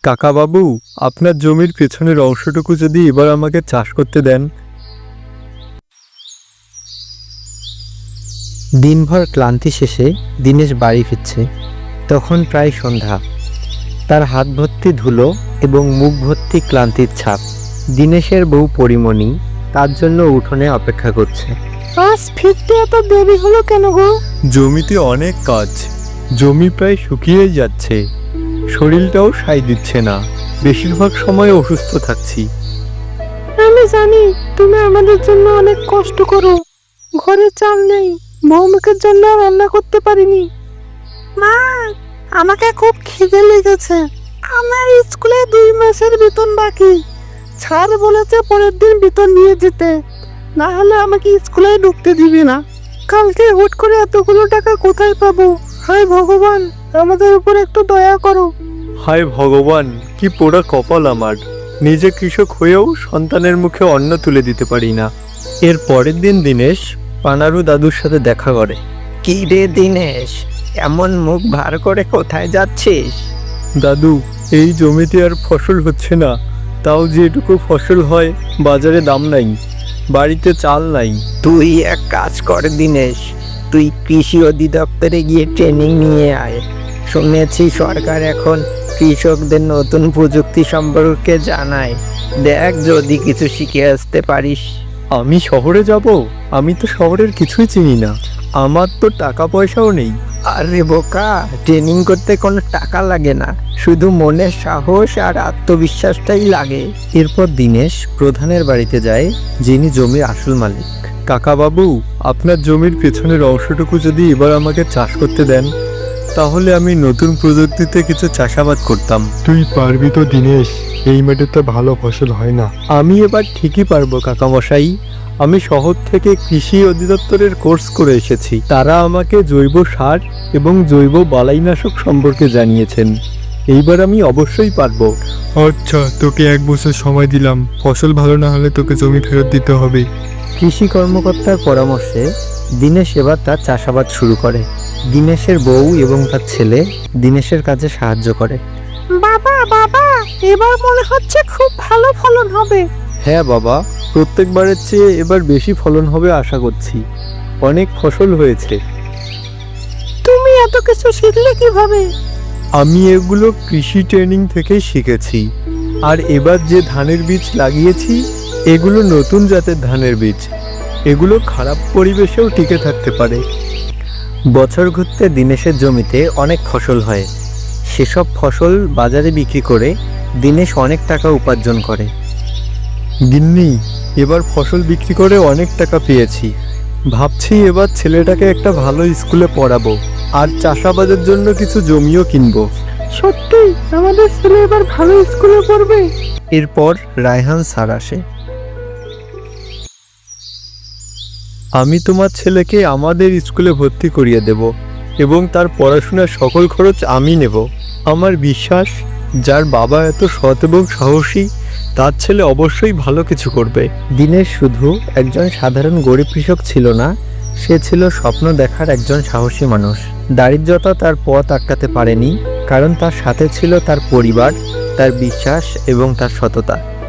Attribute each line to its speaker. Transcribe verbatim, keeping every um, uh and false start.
Speaker 1: কাকা বাবু, আপনার জমির পেছনের অংশটুকু যদি এবার আমাকে চাষ করতে দেন।
Speaker 2: দিনভর ক্লান্তি শেষে দীনেশ বাড়ি ফিরছে। তখন প্রায় সন্ধ্যা। তার হাত ভর্তি ধুলো এবং মুখ ভর্তি ক্লান্তির ছাপ। দীনেশের বউ পরিমণি তার জন্য উঠোনে অপেক্ষা করছে।
Speaker 3: আজ ফিরতে এত দেরি হলো কেন গো?
Speaker 1: জমিতে অনেক কাজ, জমি প্রায় শুকিয়ে যাচ্ছে, শরীরটাও সায় দিচ্ছে না, বেশিরভাগ সময় অসুস্থ থাকছি।
Speaker 3: আমি জানি তুমি আমাদের জন্য অনেক কষ্ট করো। ঘরে চাল নেই, বৌমুখের জন্য রান্না করতে পারিনি। মা, আমাকে খুব খিদে লেগেছে। আমার স্কুলে দুই মাসের বেতন বাকি। স্যার বলেছে পরের দিন বেতন নিয়ে যেতে, না হলে আমাকে স্কুলে ঢুকতে দিবে না। কালকে হুট করে এতগুলো টাকা কোথায় পাবো? হায় ভগবান, আমাদের উপর একটু দয়া করো।
Speaker 1: হায় ভগবান, কি পোড়া কপাল আমার! নিজে কৃষক হয়েও সন্তানের মুখে অন্ন তুলে দিতে পারি না। এর পরের দিন দীনেশ পানারু দাদুর সাথে দেখা করে।
Speaker 2: কি রে দীনেশ, এমন মুখ ভার করে কোথায় যাচ্ছিস?
Speaker 1: দাদু, এই জমিতে আর ফসল হচ্ছে না, তাও যেটুকু ফসল হয় বাজারে দাম নাই, বাড়িতে চাল নাই।
Speaker 2: তুই এক কাজ কর দীনেশ, তুই কৃষি অধিদপ্তরে গিয়ে ট্রেনিং নিয়ে আয়। শুনেছি সরকার এখন কৃষকদের নতুন প্রযুক্তি সম্পর্কে জানায়। দেখ যদি কিছু শিখে আসতে পারিস।
Speaker 1: আমি শহরে যাব? আমি তো শহরের কিছুই চিনি না, আমার তো টাকা পয়সাও নেই।
Speaker 2: আরে বোকা, ট্রেনিং করতে কোনো টাকা লাগে না, শুধু মনের সাহস আর আত্মবিশ্বাসটাই লাগে। এরপর দীনেশ প্রধানের বাড়িতে যায়, যিনি জমির আসল মালিক।
Speaker 1: কাকা বাবু, আপনার জমির পেছনের অংশটুকু যদি এবার আমাকে চাষ করতে দেন, তাহলে আমি নতুন প্রযুক্তিতে কিছু চাষাবাদ করতাম।
Speaker 4: তুই পারবি তো দীনেশ? এই মাঠে তো ভালো ফসল হয় না।
Speaker 1: আমি এবার ঠিকই পারবো কাকামশাই। আমি শহর থেকে কৃষি অধিদপ্তরের কোর্স করে এসেছি। তারা আমাকে জৈব সার এবং জৈব বালাইনাশক সম্পর্কে জানিয়েছেন। এইবার আমি অবশ্যই পারবো।
Speaker 4: আচ্ছা, তোকে এক বছর সময় দিলাম, ফসল ভালো না হলে তোকে জমি ফেরত দিতে হবে।
Speaker 2: কৃষি কর্মকর্তার পরামর্শে দীনেশ এবার তার চাষাবাদ শুরু করে। দীনেশের বউ এবং তার ছেলে দীনেশের কাজে সাহায্য করে।
Speaker 3: বাবা বাবা, এবার মনে হচ্ছে খুব ভালো ফলন হবে।
Speaker 1: হ্যাঁ বাবা, প্রত্যেকবারের চেয়ে এবার বেশি ফলন হবে আশা করছি। অনেক ফসল হয়েছে।
Speaker 3: তুমি এত কিছু শিখলে কিভাবে?
Speaker 1: আমি এগুলো কৃষি ট্রেনিং থেকেই শিখেছি। আর এবার যে ধানের বীজ লাগিয়েছি, এগুলো নতুন জাতের ধানের বীজ। এগুলো খারাপ পরিবেশেও টিকে থাকতে পারে।
Speaker 2: বছর ঘুরতে দীনেশের জমিতে অনেক ফসল হয়। সেসব ফসল বাজারে বিক্রি করে দীনেশ অনেক টাকা উপার্জন করে।
Speaker 1: গিন্নি, এবার ফসল বিক্রি করে অনেক টাকা পেয়েছি। ভাবছি এবার ছেলেটাকে একটা ভালো স্কুলে পড়াবো আর চাষাবাদের জন্য কিছু জমিও কিনবো।
Speaker 3: সত্যি আমাদের ছেলে এবার ভালো স্কুলে পড়বে?
Speaker 2: এরপর রায়হান স্যার আসে।
Speaker 1: আমি তোমার ছেলেকে আমাদের স্কুলে ভর্তি করিয়ে দেব এবং তার পড়াশোনার সকল খরচ আমি নেব। আমার বিশ্বাস, যার বাবা এত সৎ এবং সাহসী, তার ছেলে অবশ্যই ভালো কিছু করবে।
Speaker 2: দীনেশ শুধু একজন সাধারণ গরিব কৃষক ছিল না, সে ছিল স্বপ্ন দেখার একজন সাহসী মানুষ। দারিদ্রতা তার পথ আটকাতে পারেনি, কারণ তার সাথে ছিল তার পরিবার, তার বিশ্বাস এবং তার সততা।